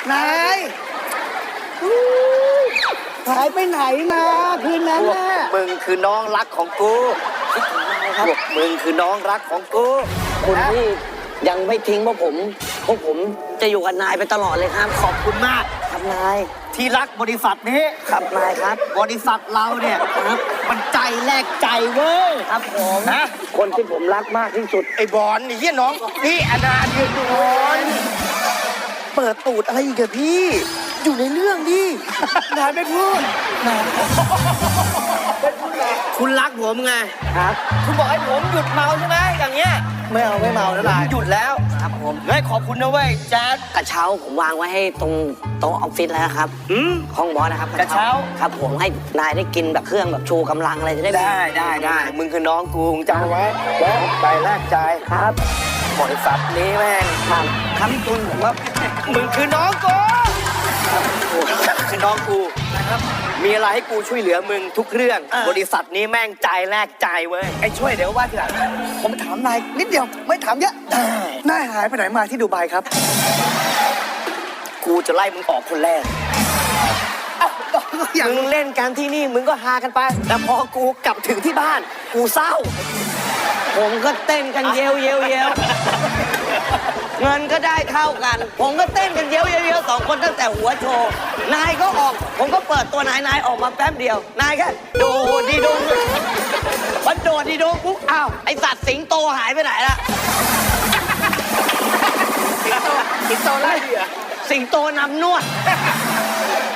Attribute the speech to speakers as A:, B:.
A: นายหายไปไหนมาคืนนั้นน่ะ
B: มึงคือน้องรักของกูพวกมึงคือน้องรักของกู
C: คุณที่ยังไม่ทิ้งพวกผมจะอยู่กับนายไปตลอดเลยครับ
B: ขอบคุณมาก
C: ครับนาย
B: ที่รักบริษัทนี้
C: ครับนายครับ
B: บริษัทเราเนี่ยมันใจแลกใจเว้ย
C: ครับผม
B: นะ
C: คนที่ผมรักมากที่สุด
D: ไอ้บอลนี่เฮียน้องพี่อนาเดือนบอลเปิดตูดอะไรอีกอะพี่ อยู่ในเรื่องดิ
A: นายไม่พูด
B: คุณรักผมไง
C: ครับ
B: คุณบอกให้ผมหยุดเมาใช่ไหมอย่างเงี้ย
A: ไม่เอานะ
B: ผม
A: นาย
B: หยุดแล้ว
C: ครับผม
B: เฮ้ยขอบคุณนะเว้ยแจ๊ด
C: กระเช้าผมวางไว้ให้ตรงโต๊ะออฟฟิศแล้วนะครับ
B: อืม
C: ห้องบอสนะครับ
B: กระเช้า
C: ครับผมให้นายได้กินแบบเครื่องแบบชูกำลังอะไรจะได้
B: ได้มึงคือน้องกูมึงจำไว้แล้วใจแลกใจ
C: ครับ
B: บริษัทนี้แม่ง
C: ครับครับพี่ตุลผมว่า
B: มึงคือน้องกูคือน้องกูนะครับมีอะไรให้กูช่วยเหลือมึงทุกเรื่อง บริษัทนี้แม่งใจแลกใจเว้ย
A: ไอ้ช่วยเดี๋ยวว่าทีหลังผมถามนายนิดเดียวไม่ถามเยอะนายหายไปไหนมาที่ดูไบครับ
B: กูจะไล่มึงออกคนแรก
A: อย่าง
B: มึงเล่นกันที่นี่มึงก็ฮากันไป แต่พอกูกลับถึงที่บ้าน กูเศร้า
C: ผมก็เต้นกันเยวเงินก็ได้เท่ากัน ผมก็เต้นกันเยวสองคนตั้งแต่หัวโชว์นายก็ออก ผมก็เปิดตัวนายออกมาแป๊บเดียวนายแค่โดดดีโดมันโดดดีโดปุ๊บอ้าวไอสัตว์สิงโตหายไปไหนล่ะ
A: สิงโตไล่เดือ
C: สิงโตนำนวด